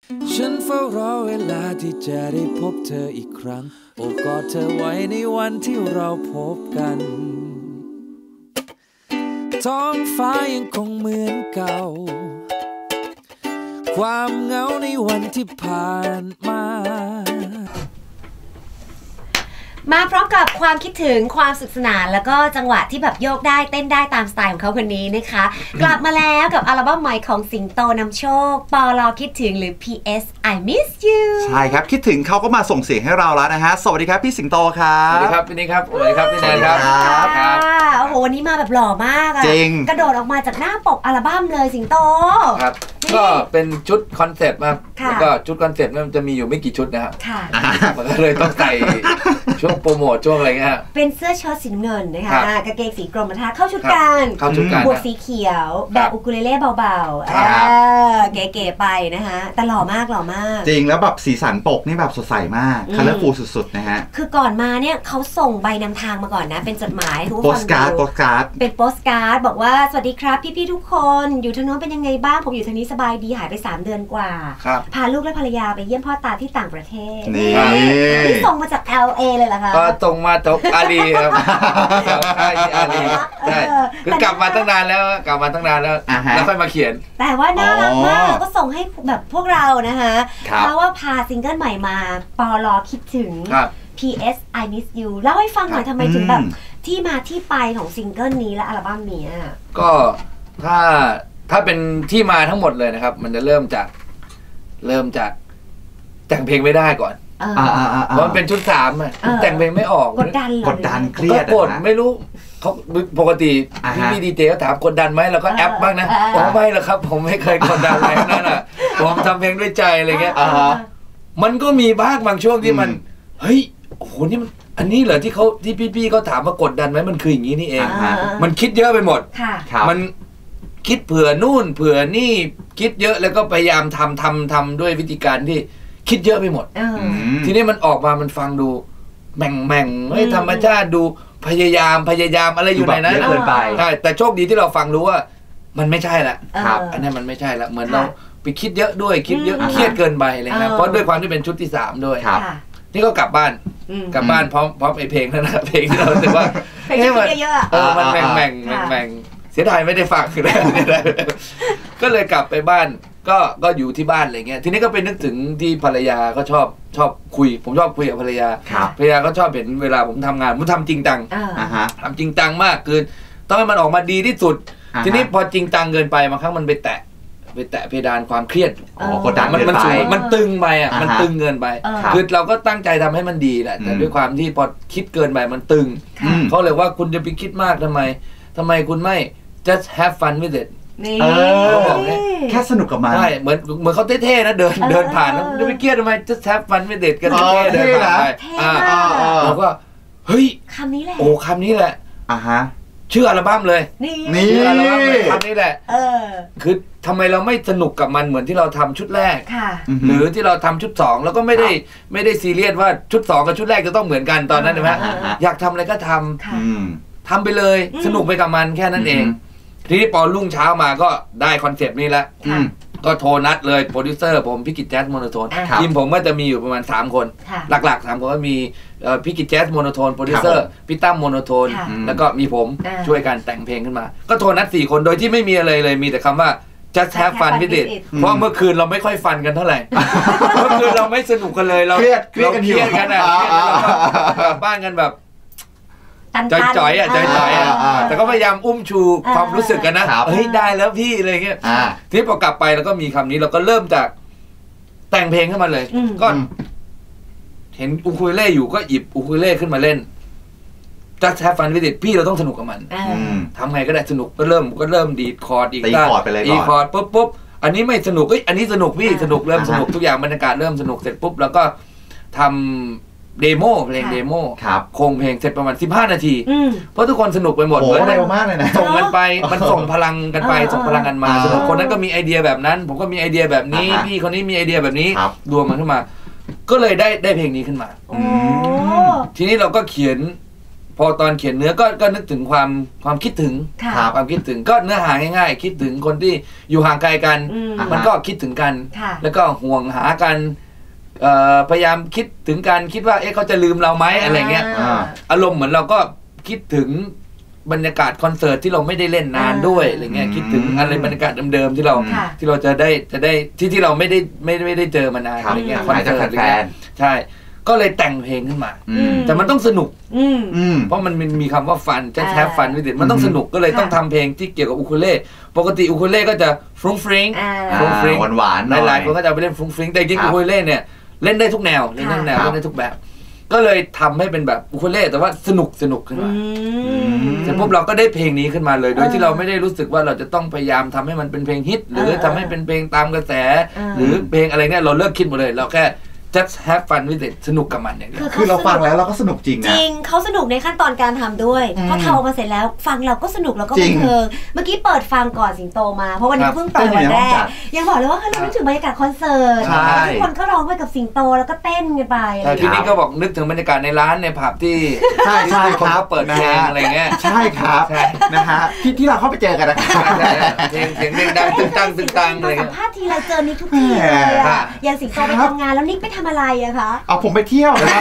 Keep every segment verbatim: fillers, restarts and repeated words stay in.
ฉันเฝ้ารอเวลาที่จะได้พบเธออีกครั้งโอบกอดเธอไว้ในวันที่เราพบกันท้องฟ้ายังคงเหมือนเก่าความเหงาในวันที่ผ่านมามาพร้อมกับความคิดถึงความสุขสนานแล้วก็จังหวะที่แบบโยกได้เต้นได้ตามสไตล์ของเขาคนนี้นะคะกลับมาแล้วกับอัลบั้มใหม่ของสิงโตนำโชคปลอคิดถึงหรือ พี เอส I miss you ใช่ครับคิดถึงเขาก็มาส่งเสียงให้เราแล้วนะฮะสวัสดีครับพี่สิงโตครับสวัสดีครับพี่นี่ครับสวัสดีครับพี่แนนครับครับโอ้โหวันนี้มาแบบหล่อมากอะจริงกระโดดออกมาจากหน้าปกอัลบั้มเลยสิงโตครับก็เป็นชุดคอนเซ็ปต์ครับแล้วก็ชุดคอนเซ็ปต์มันจะมีอยู่ไม่กี่ชุดนะครับมันก็เลยต้องใส่ช่วงโปรโมทช่วงอะไรเงี้ยเป็นเสื้อเชิ้ตสีเงินนะคะกางเกงสีกรมท่าเข้าชุดกันเข้าชุดกันบวกสีเขียวแบบอุคูเลเล่เบาๆเก๋ๆไปนะคะแต่หล่อมากหล่อมากจริงแล้วแบบสีสันปกนี่แบบสดใสมากคัลเลอร์ฟูลสุดๆนะฮะคือก่อนมาเนี่ยเขาส่งใบนำทางมาก่อนนะเป็นจดหมายโปสการ์ดโปสการ์ดเป็นโปสการ์ดบอกว่าสวัสดีครับพี่ๆทุกคนอยู่ทางโน้นเป็นยังไงบ้างผมอยู่ทางนี้สบายดีหายไปสามเดือนกว่าพาลูกและภรรยาไปเยี่ยมพ่อตาที่ต่างประเทศนี่ส่งมาจาก แอล เอ เลยเหรอคะก็ส่งมาจากอาลีครับอาลีใช่คือกลับมาตั้งนานแล้วกลับมาตั้งนานแล้วแล้วค่อยมาเขียนแต่ว่าน่ารักมากแล้วก็ส่งให้แบบพวกเรานะคะเพราะว่าพาซิงเกิลใหม่มาปลอคิดถึง พี เอส I miss you เล่าให้ฟังหน่อยทำไมถึงแบบที่มาที่ไปของซิงเกิลนี้และอัลบั้มนี้ก็ถ้าถ้าเป็นที่มาทั้งหมดเลยนะครับมันจะเริ่มจากเริ่มจากแต่งเพลงไม่ได้ก่อนเพราะมันเป็นชุดสามอ่ะแต่งเพลงไม่ออกกดดันกดดันเครียดกดไม่รู้เขาปกติพี่พี่ดีเจเขาถามกดดันไหมเราก็แอปบ้างนะผมไม่หรอกครับผมไม่เคยกดดันอะไรนั่นอ่ะผมทำเพลงด้วยใจอะไรเงี้ยมันก็มีบ้างบางช่วงที่มันเฮ้ยโอ้โหนี่มันอันนี้เหรอที่เขาที่พี่ๆเขาถามว่ากดดันไหมมันคืออย่างนี้นี่เองมันคิดเยอะไปหมดมันคิดเผื่อนู่นเผื่อนี่คิดเยอะแล้วก็พยายามทำทำทำด้วยวิธีการที่คิดเยอะไปหมดทีนี้มันออกมามันฟังดูแม่งแม่งไม่ธรรมชาติดูพยายามพยายามอะไรอยู่ในนั้นเกินไปใช่แต่โชคดีที่เราฟังรู้ว่ามันไม่ใช่ละอันนี้มันไม่ใช่ละเหมือนเราไปคิดเยอะด้วยคิดเยอะเครียดเกินไปเลยนะเพราะด้วยความที่เป็นชุดที่สามด้วยนี่ก็กลับบ้านกลับบ้านพร้อมพร้อมไอเพลงนั่นนะเพลงที่เราแต่ว่าเพลงเยอะเออมันแม่งแม่งแม่งเสียดายไม่ได้ฟังเลยก็เลยกลับไปบ้านก็ก็อยู่ที่บ้านอะไรเงี้ยทีนี้ก็ไปนึกถึงที่ภรรยาก็ชอบชอบคุยผมชอบคุยกับภรรยาภรรยาก็ชอบเห็นเวลาผมทำงานผมทำจริงจังทำจริงจังมากคือต้องให้มันออกมาดีที่สุดทีนี้พอจริงจังเกินไปบางครั้งมันไปแตะไปแตะเพดานความเครียดกดดันมันมันมันตึงไปอ่ะมันตึงเกินไปคือเราก็ตั้งใจทำให้มันดีแหละแต่ด้วยความที่พอคิดเกินไปมันตึงเขาเลยว่าคุณจะไปคิดมากทำไมทำไมคุณไม่ just have fun with it เออแค่สนุกกับมันใช่เหมือนเหมือนเขาเท่ๆนะเดินเดินผ่านแล้วจะไปเครียดทำไม just have fun with it กันเท่ๆเดินผ่านไปเราก็เฮ้ยคำนี้แหละโอ้คำนี้แหละอ่ะฮะชื่ออัลบั้มเลยนี่ชื่ออัลบั้มเลยคำนี้แหละคือทำไมเราไม่สนุกกับมันเหมือนที่เราทำชุดแรกหรือที่เราทำชุดสองแล้วก็ไม่ได้ไม่ได้ซีเรียสว่าชุดสองกับชุดแรกจะต้องเหมือนกันตอนนั้นใช่ไหมอยากทำอะไรก็ทำทำไปเลยสนุกไปกับมันแค่นั้นเองทีนี้พอรุ่งเช้ามาก็ได้คอนเซปต์นี้แล้วก็โทรนัดเลยโปรดิวเซอร์ผมพี่กิจแจ๊สโมโนโทนทีมผมก็จะมีอยู่ประมาณสามคนหลักๆสามคนก็มีพี่กิจแจ๊สโมโนโทนโปรดิวเซอร์พี่ตั้มโมโนโทนแล้วก็มีผมช่วยกันแต่งเพลงขึ้นมาก็โทรนัดสี่คนโดยที่ไม่มีอะไรเลยมีแต่คำว่า just have fun with it เพราะเมื่อคืนเราไม่ค่อยฟันกันเท่าไหร่เมื่อคืนเราไม่สนุกกันเลยเราเครียดเครียดกันอยู่กันอ่ะบ้านกันแบบจ่อยๆอ่ะจ่อยๆอ่ะแต่ก็พยายามอุ้มชูความรู้สึกกันนะเฮ้ยได้แล้วพี่อะไรเงี้ยที่พอกลับไปแล้วก็มีคำนี้เราก็เริ่มจากแต่งเพลงขึ้นมาเลยก็เห็นอูคูเลเล่อยู่ก็หยิบอูคูเลเล่ขึ้นมาเล่น just have fun with it พี่เราต้องสนุกกับมันทำไงก็ได้สนุกก็เริ่มก็เริ่มดีดคอร์ดอีกตีคอร์ดไปเลยดีคอร์ดปุ๊บปุ๊บอันนี้ไม่สนุกเอ้ยอันนี้สนุกพี่สนุกเริ่มสนุกทุกอย่างบรรยากาศเริ่มสนุกเสร็จปุ๊บแล้วก็ทำเดโมเพลงเดโมโครงเพลงเสร็จประมาณสิบห้านาทีเพราะทุกคนสนุกไปหมดเลยเร็วมากเลยนะส่งกันไปมันส่งพลังกันไปส่งพลังกันมาสนุกคนนั้นก็มีไอเดียแบบนั้นผมก็มีไอเดียแบบนี้พี่คนนี้มีไอเดียแบบนี้รวมมันขึ้นมาก็เลยได้ได้เพลงนี้ขึ้นมาทีนี้เราก็เขียนพอตอนเขียนเนื้อก็ก็นึกถึงความความคิดถึงความคิดถึงก็เนื้อหาง่ายๆคิดถึงคนที่อยู่ห่างไกลกันมันก็คิดถึงกันแล้วก็ห่วงหากันพยายามคิดถึงกันคิดว่าเอ๊ะเขาจะลืมเราไหมอะไรเงี้ยอารมณ์เหมือนเราก็คิดถึงบรรยากาศคอนเสิร์ตที่เราไม่ได้เล่นนานด้วยอะไรเงี้ยคิดถึงอะไรบรรยากาศเดิมๆที่เราที่เราจะได้จะได้ที่ที่เราไม่ได้ไม่ไม่ได้เจอมานานอะไรเงี้ยคอนเสิร์ตอะไรเงี้ยใช่ก็เลยแต่งเพลงขึ้นมาแต่มันต้องสนุกเพราะมันมีคำว่าฟันจะแทบฟันไม่ติดมันต้องสนุกก็เลยต้องทำเพลงที่เกี่ยวกับอูคูเลเล่ปกติอูคูเลเล่ก็จะฟรุ้งฟริ้งฟรุ้งฟริ้งหวานๆหลายๆคนก็จะไปเล่นฟรุ้งฟริ้งแต่จริงอูคูเลเล่เนี่ยเล่นได้ทุกแนวเล่นได้ทุกแนวเล่นได้ทุกแบบก็เลยทำให้เป็นแบบอูคูเลเล่แต่ว่าสนุกสนุกขึ้นมาเสร็จปุ๊บเราก็ได้เพลงนี้ขึ้นมาเลยโดยที่เราไม่ได้รู้สึกว่าเราจะต้องพยายามทำให้มันเป็นเพลงฮิตหรือทำให้เป็นเพลงตามกระแสหรือเพลงอะไรเนี่ยเราเลิกคิดหมดเลยเราแค่just have fun with it สนุกกับมันอย่างเดียวคือเราฟังแล้วเราก็สนุกจริงนะจริงเขาสนุกในขั้นตอนการทำด้วยพอทำออกมาเสร็จแล้วฟังเราก็สนุกแล้วก็บันเทิงเมื่อกี้เปิดฟังก่อนสิงโตมาเพราะวันนี้เพิ่งปล่อยวันแรกยังบอกเลยว่าเรานึกถึงบรรยากาศคอนเสิร์ตทุกคนก็ร้องไปกับสิงโตแล้วก็เต้นกันไปแต่ทีนี้ก็บอกนึกถึงบรรยากาศในร้านในผับที่ใช่ใช่ครับเปิดเพลงอะไรเงี้ยใช่ครับนะฮะที่ที่เราเข้าไปเจอกันนะครับเพลงเสียงดังตึงตังตึงตังอะไรสัมภาษณ์ทีไรเจอนิกทุกทีเลยอ่ะอย่างสิงโตไปทำงานแล้วนิกไปทำอะไรอะคะเอาผมไปเที่ยวนะครับ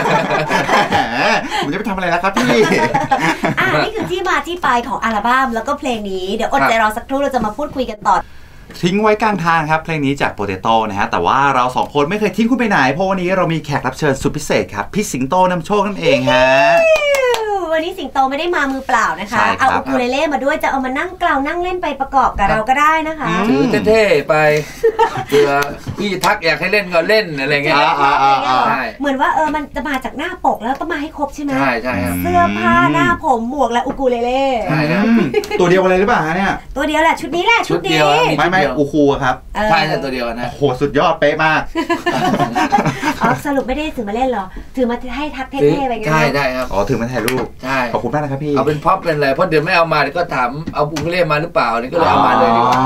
ผมจะไปทำอะไรนะครับพี่อ่านี่คือที่มาที่ไปของอัลบั้มแล้วก็เพลงนี้เดี๋ยวอดใจรอสักครู่เราจะมาพูดคุยกันต่อทิ้งไว้กลางทางครับเพลงนี้จากโปเตโต้นะฮะแต่ว่าเราสองคนไม่เคยทิ้งคุณไปไหนเพราะวันนี้เรามีแขกรับเชิญสุดพิเศษครับพี่สิงโตนำโชคนั่นเองฮะวันนี้สิงโตไม่ได้มามือเปล่านะคะเอาอูคูเลเล่มาด้วยจะเอามานั่งกล่าวนั่งเล่นไปประกอบกับเราก็ได้นะคะถือเท่ๆไปเผื่อพี่ทักอยากให้เล่นก็เล่นอะไรเงี้ยเหมือนว่าเออมันจะมาจากหน้าปกแล้วต้องมาให้ครบใช่ไหมใช่ใช่เสื้อผ้าหน้าผมหมวกและอูคูเลเล่ใช่ครับตัวเดียวกันเลยหรือเปล่าเนี่ยตัวเดียวแหละชุดนี้แหละชุดนี้ไม่ไม่อูคูครับใช่ใช่ตัวเดียวนะโหสุดยอดเป๊ะมากอ๋อสรุปไม่ได้ถือมาเล่นหรอถือมาให้ทักเท่ๆไปไงใช่ใช่ครับอ๋อถือมาถ่ายรูปใช่ขอบคุณมากนะครับพี่เอาเป็นพ็อปเป็นอะไรเพราะเดี๋ยวไม่เอามาเดี๋ยวก็ถามเอาอูคูเลเล่มาหรือเปล่านี่ก็เลยเอามาเลยดีกว่า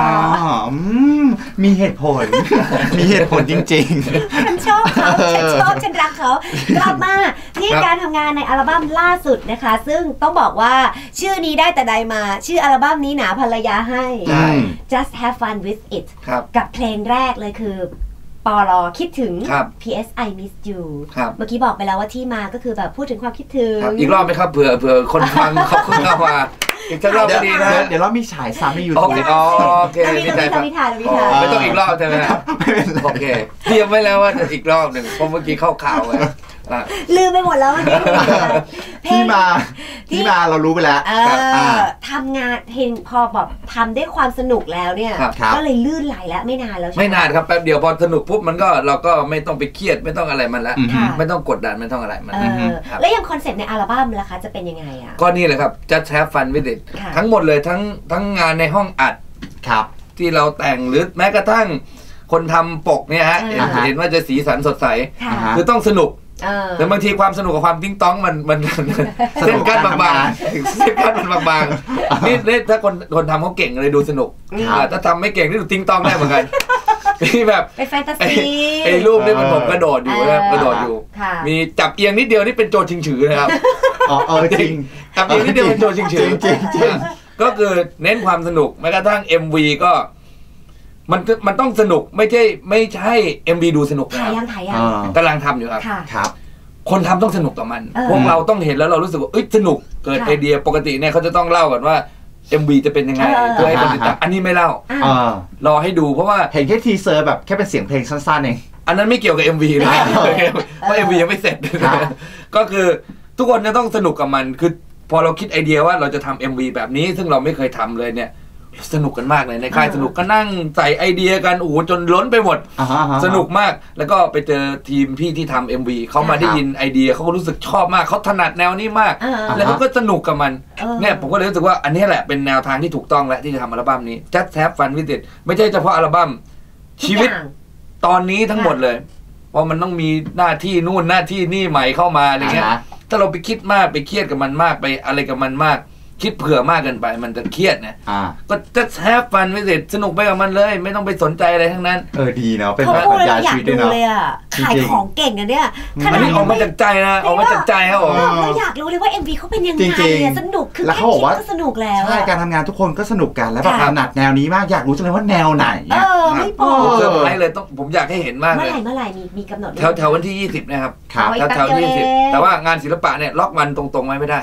มีเหตุผลมีเหตุผลจริงๆฉันชอบเขาฉันชอบฉันรักเขากลับมาที่การทำงานในอัลบั้มล่าสุดนะคะซึ่งต้องบอกว่าชื่อนี้ได้แต่ใดมาชื่ออัลบั้มนี้หนาภรรยาให้ just have fun with it กับเพลงแรกเลยคือปลอคิดถึง พี เอส I miss you เมื่อกี้บอกไปแล้วว่าที่มาก็คือแบบพูดถึงความคิดถึงอีกรอบไหมครับเผื่อเผื่อคนฟังเขาคุณเข้ามาอีกสักรอบดีนะเดี๋ยวเรามีฉายซ้ำในยูทูบโอเคไม่ต้องมีถ่ายไม่ต้องอีกรอบใช่ไหมโอเคเตรียมไว้แล้วว่าอีกรอบหนึ่งเพราะเมื่อกี้เข้าข่าวไงลืมไปหมดแล้วที่มาที่มาเรารู้ไปแล้วทำงานเพลงพอแบบทำด้วยความสนุกแล้วเนี่ยก็เลยลื่นไหลแล้วไม่นานแล้วไม่นานครับแป๊บเดียวพอสนุกปุ๊บมันก็เราก็ไม่ต้องไปเครียดไม่ต้องอะไรมันแล้วไม่ต้องกดดันไม่ต้องอะไรมันแล้วยังคอนเซ็ปต์ในอัลบั้มล่ะคะจะเป็นยังไงอ่ะก็นี่แหละครับ just have fun with it ทั้งหมดเลยทั้งทั้งงานในห้องอัดครับที่เราแต่งหรือแม้กระทั่งคนทำปกเนี่ยฮะเห็นว่าจะสีสันสดใสคือต้องสนุกแต่บางทีความสนุกกับความติ้งต้องมันมันเส้นกั้นบางๆเส้นกั้นมันบางๆนี่นี่ถ้าคนคนทำเขาเก่งเลยดูสนุกถ้าทำไม่เก่งนี่ดูติ้งต้องได้เหมือนกันมีแบบเป็นแฟนตาซีไอ้รูปนี่มันผมกระโดดอยู่นะกระโดดอยู่มีจับเอียงนิดเดียวนี่เป็นโจชิงฉือนะครับอ๋อจริงจับเอียงนิดเดียวเป็นโจชิงฉือจริงจริงก็คือเน้นความสนุกแม้กระทั่ง เอ็ม วี ก็มันมันต้องสนุกไม่ใช่ไม่ใช่ เอ็ม วี ดูสนุกถ่ายยังถ่ายยังกำลังทำอยู่ครับครับคนทำต้องสนุกกับมันพวกเราต้องเห็นแล้วเรารู้สึกว่าเอ้ยสนุกเกิดไอเดียปกติเนี่ยเขาจะต้องเล่ากันว่า เอ็ม วี จะเป็นยังไงเพื่อให้คนติดตามอันนี้ไม่เล่ารอให้ดูเพราะว่าเห็นแค่ทีเซอร์แบบแค่เป็นเสียงเพลงสั้นๆเองอันนั้นไม่เกี่ยวกับ เอ็ม วี นะเพราะ เอ็ม วี ยังไม่เสร็จก็คือทุกคนจะต้องสนุกกับมันคือพอเราคิดไอเดียว่าเราจะทำ เอ็ม วี แบบนี้ซึ่งเราไม่เคยทำเลยเนี่ยสนุกกันมากเลยในค่ายสนุกก็นั่งใส่ไอเดียกันโอ้โหจนล้นไปหมดสนุกมากแล้วก็ไปเจอทีมพี่ที่ทำ เอ็ม วี เขามาได้ยินไอเดียเขาก็รู้สึกชอบมากเขาถนัดแนวนี้มากแล้วเขาก็สนุกกับมันเนี่ยผมก็เลยรู้สึกว่าอันนี้แหละเป็นแนวทางที่ถูกต้องแล้วที่จะทำอัลบั้มนี้ Just Have Fun with it ไม่ใช่เฉพาะอัลบั้มชีวิตตอนนี้ทั้งหมดเลยเพราะมันต้องมีหน้าที่นู่นหน้าที่นี่ใหม่เข้ามาอะไรเงี้ยถ้าเราไปคิดมากไปเครียดกับมันมากไปอะไรกับมันมากคิดเผื่อมากเกินไปมันจะเครียดนะก็จะแฮปฟันไม่เสร็จสนุกไปกับมันเลยไม่ต้องไปสนใจอะไรทั้งนั้นเออดีเนาะเป็นแบบปรัชญาชีวิตด้วยเนาะขายของเก่งนะเนี่ยอันนี้ออกมาจากใจนะออกมาจากใจครับผมเราอยากรู้เลยว่า เอ็ม วี เขาเป็นยังไงเนี่ยสนุกคือแค่คิดก็สนุกแล้วใช่การทำงานทุกคนก็สนุกกันแล้วแบบถนัดแนวนี้มากอยากรู้จังเลยว่าแนวไหนเออไม่พอเซอร์ไพรส์เลยต้องผมอยากให้เห็นมากเลยเมื่อไหร่เมื่อไหร่มีมีกำหนดแถวแถววันที่ยี่สิบนะครับแถวแถวยี่สิบแต่ว่างานศิลปะเนี่ยล็อกวันตรงๆไว้ไม่ได้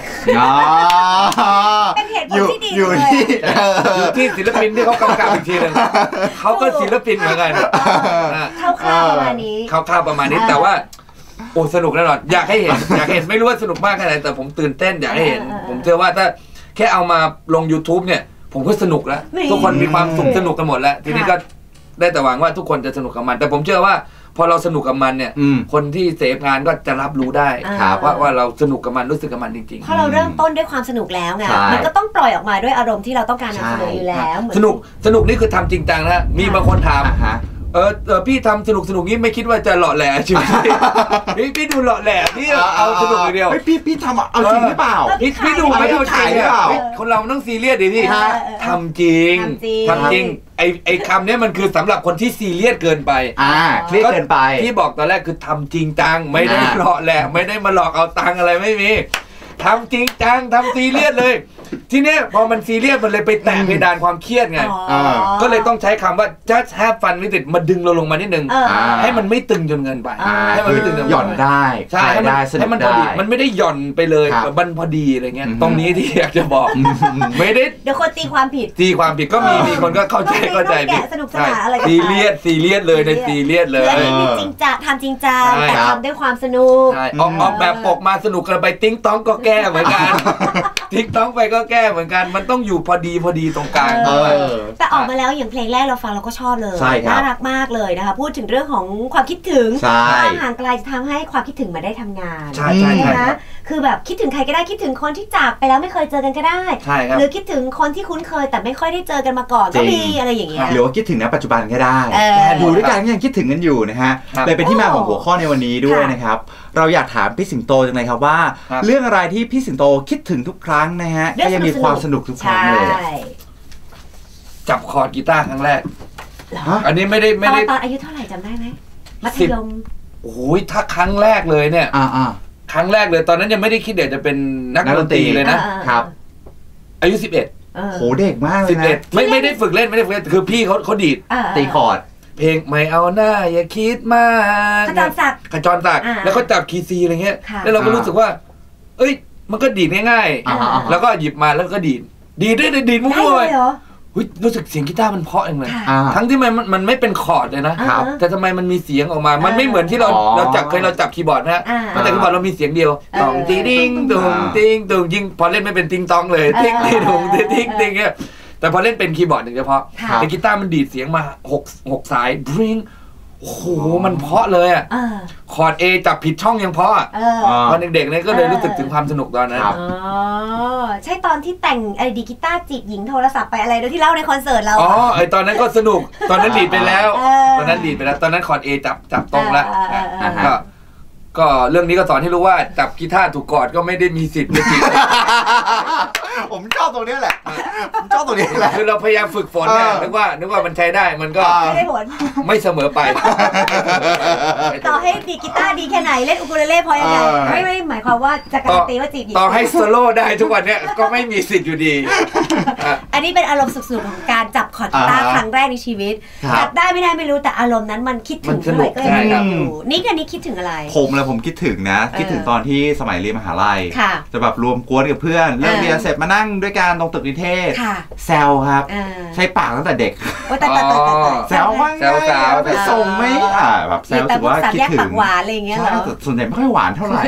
เป็นเหตุผลที่ดีเลยอยู่ที่ศิลปินที่เขากำกับอีกทีนึงเขาก็ศิลปินเหมือนกันคร่าวๆประมาณนี้คร่าวๆประมาณนี้แต่ว่าโอ้สนุกแน่นอนอยากให้เห็นอยากเห็นไม่รู้ว่าสนุกมากแค่ไหนแต่ผมตื่นเต้นอยากให้เห็นผมเชื่อว่าถ้าแค่เอามาลง YouTube เนี่ยผมก็สนุกแล้วทุกคนมีความสุขสนุกกันหมดแล้วทีนี้ก็ได้แต่หวังว่าทุกคนจะสนุกกับมันแต่ผมเชื่อว่าพอเราสนุกกับมันเนี่ยคนที่เสพงานก็จะรับรู้ได้ว่าว่าเราสนุกกับมันรู้สึกกับมันจริงๆพอเราเริ่มต้นด้วยความสนุกแล้วไงมันก็ต้องปล่อยออกมาด้วยอารมณ์ที่เราต้องการนำเสนออยู่แล้วสนุกสนุกนี่คือทำจริงจังนะมีบางคนถามเออเออพี่ทำสนุกสนุกนี้ไม่คิดว่าจะหล่อแหล่ใช่ไหมพี่พี่ดูหล่อแหล่พี่เอาสนุกอย่างเดียวพี่พี่ทำเอาจริงหรือเปล่าพี่พี่ดูไม่เอาจริงหรือเปล่าคนเราต้องซีเรียสดิพี่ทำจริงทำจริงไอไอคำนี้มันคือสำหรับคนที่ซีเรียสเกินไปอ่าเครียดเกินไปที่บอกตอนแรกคือทำจริงจังไม่ได้หล่อแหล่ไม่ได้มาหลอกเอาตังอะไรไม่มีทำจริงจังทำซีเรียสเลยทีเนี้ยพอมันซีเรียสมันเลยไปแตะเพดานความเครียดไงก็เลยต้องใช้คำว่า just have fun with it มาดึงเราลงมานิดนึงให้มันไม่ตึงจนเกินไปให้มันไม่ตึงจนหย่อนได้ใช่ให้มันพอดีมันไม่ได้หย่อนไปเลยมันพอดีอะไรเงี้ยตรงนี้ที่อยากจะบอกไม่ได้เดี๋ยวคนตีความผิดตีความผิดก็มีมีคนก็เข้าใจเข้าใจผิดสนุกสนานอะไรซีเรียสซีเรียสเลยในซีเรียสเลยจริงจังทำจริงจังแต่ทำด้วยความสนุกออกออกแบบปกมาสนุกกันไปติ๊งต้องก็แก้เหมือนกันติ๊งต้องไปก็แก้เหมือนกันมันต้องอยู่พอดีพอดีตรงกลางแต่ออกมาแล้วอย่างเพลงแรกเราฟังเราก็ชอบเลยน่ารักมากเลยนะคะพูดถึงเรื่องของความคิดถึงความห่างไกลจะทำให้ความคิดถึงมาได้ทำงานใช่ใช่นะคือแบบคิดถึงใครก็ได้คิดถึงคนที่จากไปแล้วไม่เคยเจอกันก็ได้หรือคิดถึงคนที่คุ้นเคยแต่ไม่ค่อยได้เจอกันมาก่อนก็มีอะไรอย่างเงี้ยหรือว่าคิดถึงณปัจจุบันก็ได้ดูด้วยกันยังคิดถึงกันอยู่นะฮะเลยเป็นที่มาของหัวข้อในวันนี้ด้วยนะครับเราอยากถามพี่สิงโตจังเลยครับว่าเรื่องอะไรที่พี่สิงโตคิดถึงทุกครั้งนะฮะก็ยังมีความสนุกทุกครั้งเลยจับคอร์ดกีตาร์ครั้งแรกอันนี้ไม่ได้ไม่ได้ตอนอายุเท่าไหร่จำได้ไหมมัธยมโอ้ยถ้าครั้งแรกเลยเนี่ยครั้งแรกเลยตอนนั้นยังไม่ได้คิดเดี๋ยวจะเป็นนักดนตรีเลยนะครับอายุสิบเอ็ดโหเด็กมากเลยนะไม่ไม่ได้ฝึกเล่นไม่ได้ฝึกเล่นคือพี่เขาเขาดีดตีคอร์ดเพลงไม่เอาหน้าอย่าคิดมากขจรศักดิ์ขจรศักดิ์แล้วก็จับคีย์ซีอะไรเงี้ยแล้วเราก็รู้สึกว่าเอ้ยมันก็ดีดง่ายๆแล้วก็หยิบมาแล้วก็ดีดดีดได้ดีดมั่วๆเลยรู้สึกเสียงกีตาร์มันเพราะเองเลยทั้งที่มันมันไม่เป็นคอร์ดเลยนะแต่ทำไมมันมีเสียงออกมามันไม่เหมือนที่เราเราจับเคยเราจับคีย์บอร์ดนะมันแต่คีย์บอร์ดเรามีเสียงเดียวตองติ้งติ้งตุงติ้งตุงยิงพอเล่นไม่เป็นติ้งตองเลยติ้งติ้งตุงติ้งติ้งติ้งเงี้ยแต่พอเล่นเป็นคีย์บอร์ดหนึ่งเฉพาะแต่กีตาร์มันดีดเสียงมาหกหกสายบริงโอ้โหมันเพาะเลยอ่ะคอร์ด A จับผิดช่องยังเพาะอ่ะตอนเด็กๆเนี่ยก็เลยรู้สึกถึงความสนุกตอนนั้นอ๋อใช่ตอนที่แต่งไอ้ดีกีตาร์จีบหญิงโทรศัพท์ไปอะไรโดยที่เล่าในคอนเสิร์ตเราอ๋อไอ้ตอนนั้นก็สนุกตอนนั้นดีดไปแล้วตอนนั้นดีดไปแล้วตอนนั้นคอร์ด A จับจับตรงแล้วก็ก็เรื่องนี้ก็สอนให้รู้ว่าจับกีตาร์ถูกกอดก็ไม่ได้มีสิทธิ์ในจีบผมชอบตรงนี้แหละผมชอบตรงนี้แหละคือเราพยายามฝึกฝนเนี่ยนึกว่านึกว่ามันใช้ได้มันก็ไม่ได้ผลไม่เสมอไปต่อให้ดีกีตาร์ดีแค่ไหนเล่นอูคูเลเล่พอยังไงไม่ไม่หมายความว่าจะการันตีว่าจีบหญิงต่อให้โซโล่ได้ทุกวันเนี้ยก็ไม่มีสิทธิ์อยู่ดีอันนี้เป็นอารมณ์สุดๆของการจับคอร์ดกีตาร์ครั้งแรกในชีวิตจับได้ไม่ได้ไม่รู้แต่อารมณ์นั้นมันคิดถึงเท่าไหร่ก็ยังอยู่นี่กันนี้คิดถึงอะไรผมเลยผมคิดถึงนะคิดถึงตอนที่สมัยเรียนมหาลัยจะแบบรวมกวนกับเพื่อนเลิกเรียนเสร็จมานั่งด้วยกันตรงตึกนิเทศแซวครับใช้ปากตั้งแต่เด็กแซวว่าแซวสาวไปส่งไม่อ่าแบบแซวรู้สึกว่าคิดถึงหวานอะไรอย่างเงี้ยเหรอส่วนใหญ่ไม่ค่อยหวานเท่าไหร่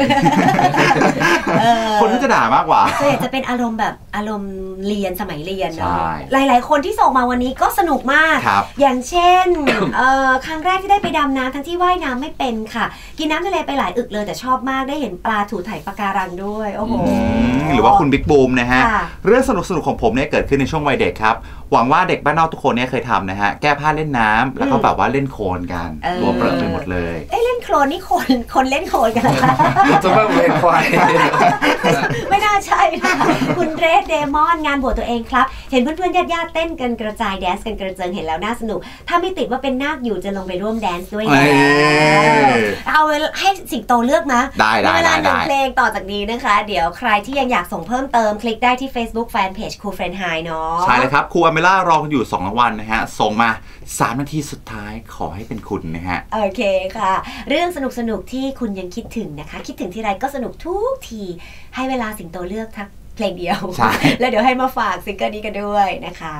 คนก็จะด่ามากกว่าส่วนใหญ่จะเป็นอารมณ์แบบอารมณ์เรียนสมัยเรียนหลายๆคนที่ส่งมาวันนี้ก็สนุกมากอย่างเช่นครั้งแรกที่ได้ไปดำน้ำทั้งที่ว่ายน้ำไม่เป็นค่ะกินน้ำทะเลไปหลายอึกเลยแต่ชอบมากได้เห็นปลาถูไถปะการังด้วยโอ้โหหรือว่าคุณบิ๊กบูมนะฮะเรื่องสนุกสนุกของผมเนี่ยเกิดขึ้นในช่วงวัยเด็กครับหวังว่าเด็กบ้านนอกทุกคนเนี่ยเคยทำนะฮะแก้ผ้าเล่นน้ำแล้วก็แบบว่าเล่นโคลนกันตัวเปรอะไปหมดเลยเอ้เล่นโคลนนี่คนคนเล่นโคลนกันเหรอคะจะว่าเป็นควายไม่น่าใช่ค่ะคุณเรดเดมอนงานบวชตัวเองครับเห็นเพื่อนๆญาติๆเต้นกันกระจายแดนซ์กันกระเจิงเห็นแล้วน่าสนุกถ้าไม่ติดว่าเป็นนาคอยู่จะลงไปร่วมแดนซ์ด้วยนะเอาให้สิงโตเลือกนะได้ได้เวลาหนึ่งเพลงต่อจากนี้นะคะเดี๋ยวใครที่ยังอยากส่งเพิ่มเติมคลิกได้ที่ Facebook Fanpage ครูเฟรนไฮเนาะใช่เลยครับครูอเมล่ารออยู่สองรางวัลนะฮะส่งมาสามนาทีสุดท้ายขอให้เป็นคุณนะฮะโอเคค่ะเรื่องสนุกๆที่คุณยังคิดถึงนะคะคิดถึงทีไรก็สนุกทุกทีให้เวลาสิงโตเลือกทักเพลงเดียวแล้วเดี๋ยวให้มาฝากซิงเกิลนี้กันด้วยนะคะ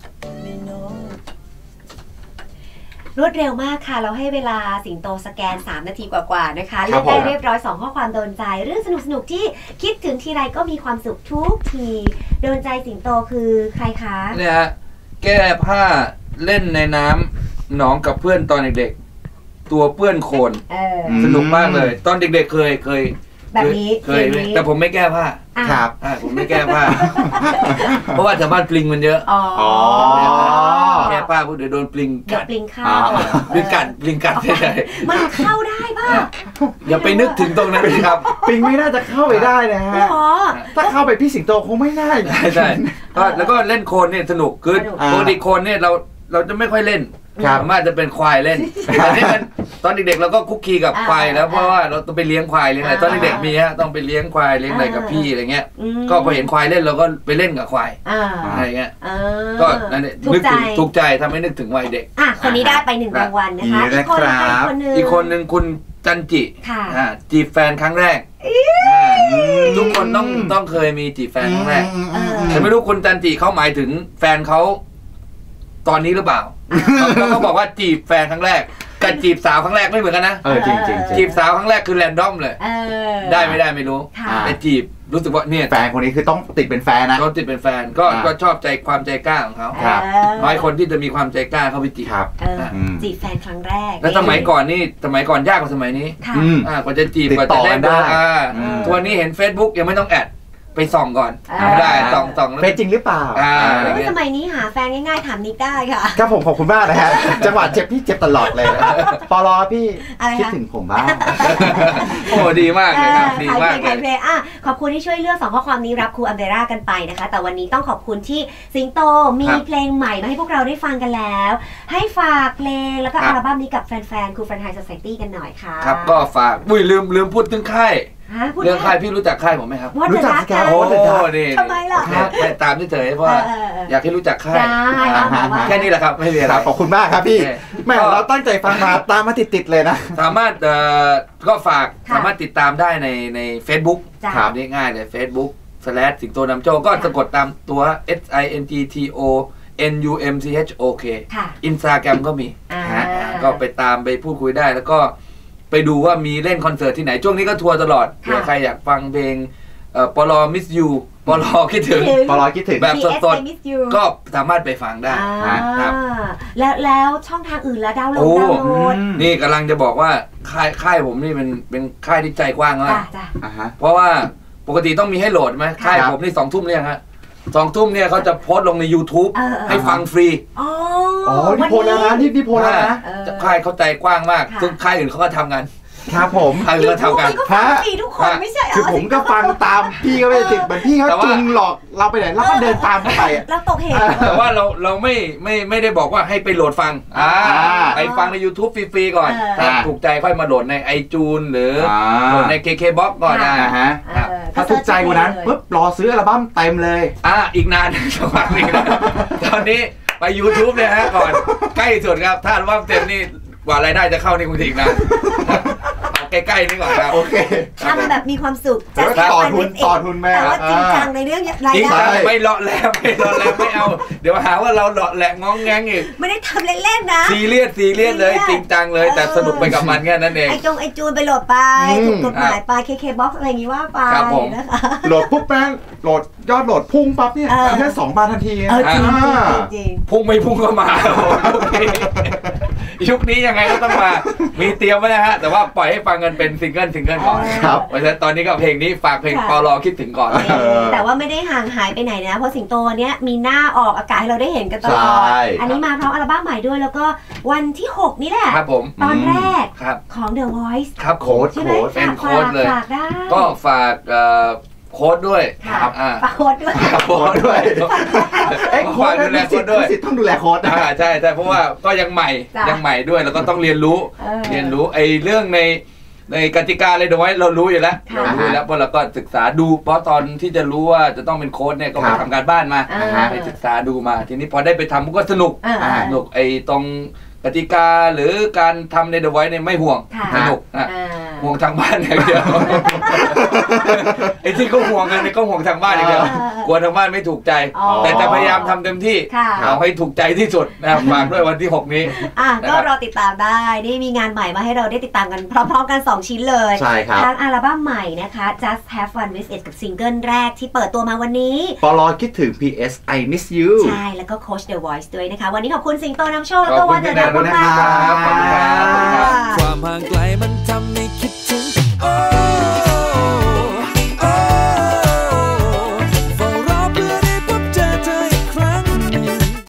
รวดเร็วมากค่ะเราให้เวลาสิงโตสแกนสามนาทีกว่าๆนะคะเลือกได้เรียบร้อยสองข้อความโดนใจเรื่องสนุกๆที่คิดถึงทีไรก็มีความสุขทุกทีโดนใจสิงโตคือใครคะเนี่ยฮะแก้ผ้าเล่นในน้ำหนองกับเพื่อนตอนเด็กๆตัวเปื้อนโคลนสนุกมากเลยตอนเด็กๆเคยเคยแบบนี้เคยแต่ผมไม่แก้ผ้าครับผมไม่แก้ผ้าเพราะว่าแถวบ้านปลิงมันเยอะอ๋อแก้ผ้าพวกเดี๋ยวโดนปลิงกัดปลิงเข้าปลิงกัดปลิงกัดใช่มันเข้าได้ป่ะอย่าไปนึกถึงตรงนั้นสิครับปลิงไม่น่าจะเข้าไปได้นะฮะถ้าเข้าไปพี่สิงโตคงไม่น่าใช่ใช่แล้วก็เล่นโคลนเนี่ยสนุกคือปกติโคลนเนี่ยเราเราจะไม่ค่อยเล่นสามารถจะเป็นควายเล่นแต่นี่มันตอนเด็กๆเราก็คุกคีกับควายแล้วเพราะว่าเราต้องไปเลี้ยงควายเลี้ยงอะไรตอนเด็กๆมีฮะต้องไปเลี้ยงควายเลี้ยงอะไรกับพี่อะไรเงี้ยก็พอเห็นควายเล่นเราก็ไปเล่นกับควายอะไรเงี้ยก็นั่นนึกถึงถูกใจทำให้นึกถึงวัยเด็กอ่ะคนนี้ได้ไปหนึ่งรางวัลนะคะอีกคนนึงอีกคนนึงคุณจันจิจีบแฟนครั้งแรกทุกคนต้องต้องเคยมีจีบแฟนครั้งแรกแต่ไม่รู้คุณจันจิเขาหมายถึงแฟนเขาตอนนี้หรือเปล่าเขาก็บอกว่าจีบแฟนครั้งแรกกับจีบสาวครั้งแรกไม่เหมือนกันนะเออจริงจริงจีบสาวครั้งแรกคือแรนดอมเลยได้ไม่ได้ไม่รู้แต่จีบรู้สึกว่าเนี่ยแฟนคนนี้คือต้องติดเป็นแฟนนะต้องติดเป็นแฟนก็ก็ชอบใจความใจกล้าของเขาน้อยคนที่จะมีความใจกล้าเข้าไปจีบจีบแฟนครั้งแรกแล้วสมัยก่อนนี่สมัยก่อนยากกว่าสมัยนี้กว่าจะจีบกว่าจะได้เบอร์ตัวนี้เห็น Facebook ยังไม่ต้องแอดไปส่องก่อนได้ส่องส่องเป็นจริงหรือเปล่าสมัยนี้หาแฟนง่ายๆถามนิกได้ค่ะครับผมขอบคุณมากนะฮะจังหวะเจ็บพี่เจ็บตลอดเลยปลอพี่คิดถึงผมบ้างโอ้ดีมากเลยครับดีมากเลยอ่ะขอบคุณที่ช่วยเลือกสองข้อความนี้รับครูอัมเบร่ากันไปนะคะแต่วันนี้ต้องขอบคุณที่สิงโตมีเพลงใหม่มาให้พวกเราได้ฟังกันแล้วให้ฝากเพลงแล้วก็อัลบั้มนี้กับแฟนๆครูเฟรนไฮโซไซตี้กันหน่อยค่ะครับก็ฝากอุ้ยลืมลืมพูดถึงค่ายเรื่องค่ายพี่รู้จักค่ายผมไหมครับรู้จักครับโอ้นี่ทำไมล่ะตามที่เฉยเพราะอยากให้รู้จักค่ายแค่นี้แหละครับไม่มีอะไรขอบคุณมากครับพี่แม่เราตั้งใจฟังมาตามมาติดๆเลยนะสามารถก็ฝากสามารถติดตามได้ในใน Facebook ครับง่ายๆเลย Facebook สแลชสิงโตนำโชคก็สะกดตามตัว S I N G T O N U M C H O K อินสตาแกรมก็มีก็ไปตามไปพูดคุยได้แล้วก็ไปดูว่ามีเล่นคอนเสิร์ตที่ไหนช่วงนี้ก็ทัวร์ตลอดเผื่อใครอยากฟังเพลงปลอมิสยูปลอคิดถึงปลอคิดถึงแบบสดๆก็สามารถไปฟังได้ครับแล้วแล้วช่องทางอื่นแล้วดาวน์โหลดดาวน์โหลดนี่กำลังจะบอกว่าค่ายค่ายผมนี่เป็นเป็นค่ายที่ใจกว้างมากเพราะว่าปกติต้องมีให้โหลดไหมค่ายผมนี่สองทุ่มเนี่ยฮะสองทุ่มเนี่ยเขาจะโพสต์ลงใน YouTube ให้ฟังฟรีอ๋อนี่โพสแล้วนะนี่นี่โพสแล้วนะค่ายเขาใจกว้างมากซึ่งค่ายอื่นเขาก็ทำกันครับผมค่ายอื่นก็ทำกันฮะทุกคนไม่ใช่คือผมก็ฟังตามพี่ก็ไม่ติดเหมือนพี่เขาจุงหลอกเราไปไหนเราก็เดินตามเข้าไปเราตกเหวแต่ว่าเราเราไม่ไม่ไม่ได้บอกว่าให้ไปโหลดฟังไปฟังใน YouTube ฟรีๆก่อนถ้าถูกใจค่อยมาโหลดใน iTunes หรือโหลดใน เค เค บ็อกซ์ ก่อนนะฮะถ้าถูกใจกว่านั้นปุ๊บรอซื้ออัลบั้มเต็มเลยอ่าอีกนานสักพักนึงตอนนี้ไป YouTube เลยฮะก่อนใกล้สุดครับถ้าอัลบั้มเต็มนี่กว่ารายได้จะเข้านี่คงอีกนานใกล้ๆนี่ก่อนครับโอเคทำแบบมีความสุขจะต่อทุนต่อทุนแม่แต่ว่าจริงจังในเรื่องรายได้ไม่เลาะแล้วไม่เลาะแล้วไม่เอาเดี๋ยวหาว่าเราเลาะแหละง้องแงงอีกไม่ได้ทำเล่นๆนะซีเรียสซีเรียสเลยจริงจังเลยแต่สนุกไปกับมันแค่นั้นเองไอจงไอจูนไปโหลดไปถูกกฎหมายไป เค เค บ็อกซ์ อะไรอย่างงี้ว่าไปนะคะโหลดปุ๊บแป้งโหลดยอดโหลดพุ่งปั๊บเนี่ยแค่สองบาททันทีจริงจริงพุ่งไม่พุ่งก็มายุคนี้ยังไงก็ต้องมามีเตรียมไว้นะฮะแต่ว่าปล่อยให้ฟังกันเป็นซิงเกิลซิงเกิลก่อนครับเพราะฉะนั้นตอนนี้ก็เพลงนี้ฝากเพลงปลอคิดถึงก่อนแต่ว่าไม่ได้ห่างหายไปไหนนะเพราะสิงโตเนี้ยมีหน้าออกอากาศให้เราได้เห็นกันตลอดอันนี้มาพร้อมอัลบั้มใหม่ด้วยแล้วก็วันที่หกนี่แหละครับผมตอนแรกของ The Voice ครับโค้ดเป็นโค้ดเลยก็ฝากโค้ดด้วยครับฝากโค้ดด้วยโค้ดด้วยเอ็กโค้ดดูแลโค้ดด้วยต้องดูแลโค้ดอ่าใช่ใช่เพราะว่าก็ยังใหม่ยังใหม่ด้วยแล้วก็ต้องเรียนรู้เรียนรู้ไอ้เรื่องในในกติกาเลยเดี๋ยวไว้เรารู้อยู่แล้วเรารู้อยู่แล้วเพราะเราก็ศึกษาดูเพราะตอนที่จะรู้ว่าจะต้องเป็นโค้ดเนี่ยก็ไปทำการบ้านมาไปศึกษาดูมาทีนี้พอได้ไปทำก็สนุกสนุกไอ้ตรงกติกาหรือการทำในเดอะไวท์เนี่ยไม่ห่วงสนุกนะห่วงทางบ้านอย่างเดียวไอ้ที่เขาห่วงกันเนี่ยก็ห่วงทางบ้านอย่างเดียวกลัวทางบ้านไม่ถูกใจแต่จะพยายามทำเต็มที่เอาให้ถูกใจที่สุดนะฝากด้วยวันที่หกนี้ก็รอติดตามได้นี่มีงานใหม่มาให้เราได้ติดตามกันพร้อมๆกันสองชิ้นเลยใช่ครับทั้งอัลบั้มใหม่นะคะ Just Have Fun With It กับซิงเกิลแรกที่เปิดตัวมาวันนี้ปลอคิดถึง พี เอส I Miss You ใช่แล้วก็โค้ช The Voice ด้วยนะคะวันนี้ขอบคุณสิงโตนำโชคแล้วก็วันเดอร์ขอบคุณครับ